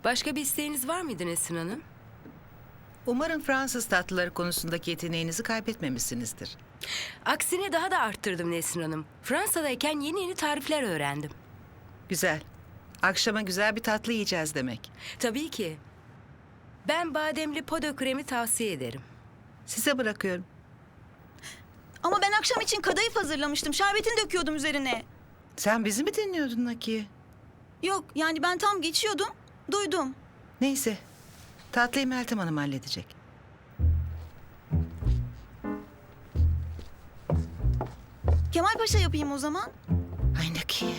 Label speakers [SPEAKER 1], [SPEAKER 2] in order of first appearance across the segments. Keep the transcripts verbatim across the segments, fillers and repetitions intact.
[SPEAKER 1] Başka bir isteğiniz var mıydı Nesrin Hanım?
[SPEAKER 2] Umarım Fransız tatlıları konusundaki yeteneğinizi kaybetmemişsinizdir.
[SPEAKER 1] Aksine daha da arttırdım Nesrin Hanım. Fransa'dayken yeni yeni tarifler öğrendim.
[SPEAKER 2] Güzel. Akşama güzel bir tatlı yiyeceğiz demek.
[SPEAKER 1] Tabii ki. Ben bademli podo kremi tavsiye ederim.
[SPEAKER 2] Size bırakıyorum.
[SPEAKER 3] Ama ben akşam için kadayıf hazırlamıştım. Şerbetini döküyordum üzerine.
[SPEAKER 2] Sen bizi mi dinliyordun Nakiye?
[SPEAKER 3] Yok yani ben tam geçiyordum. Duydum.
[SPEAKER 2] Neyse. Tatlıyı Meltem Hanım halledecek.
[SPEAKER 3] Kemal Paşa yapayım o zaman.
[SPEAKER 2] Ay Nakiye.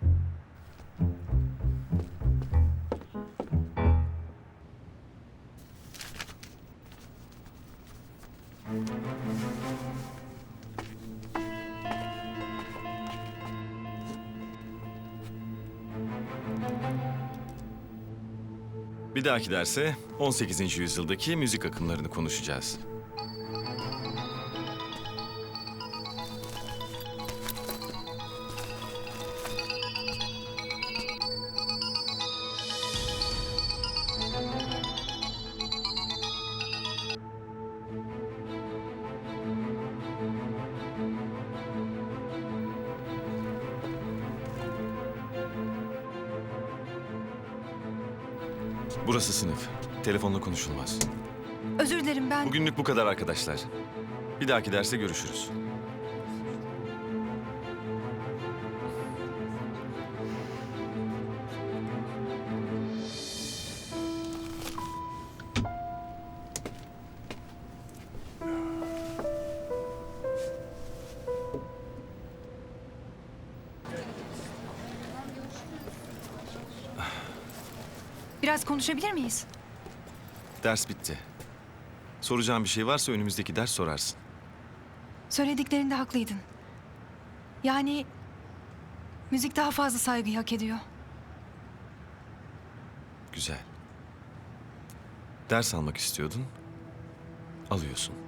[SPEAKER 4] Bir dahaki derse on sekizinci yüzyıldaki müzik akımlarını konuşacağız. Burası sınıf. Telefonla konuşulmaz.
[SPEAKER 5] Özür dilerim ben...
[SPEAKER 4] Bugünlük bu kadar arkadaşlar. Bir dahaki derste görüşürüz.
[SPEAKER 5] Biraz konuşabilir miyiz?
[SPEAKER 4] Ders bitti. Soracağım bir şey varsa önümüzdeki ders sorarsın.
[SPEAKER 5] Söylediklerinde haklıydın. Yani... müzik daha fazla saygıyı hak ediyor.
[SPEAKER 4] Güzel. Ders almak istiyordun. Alıyorsun.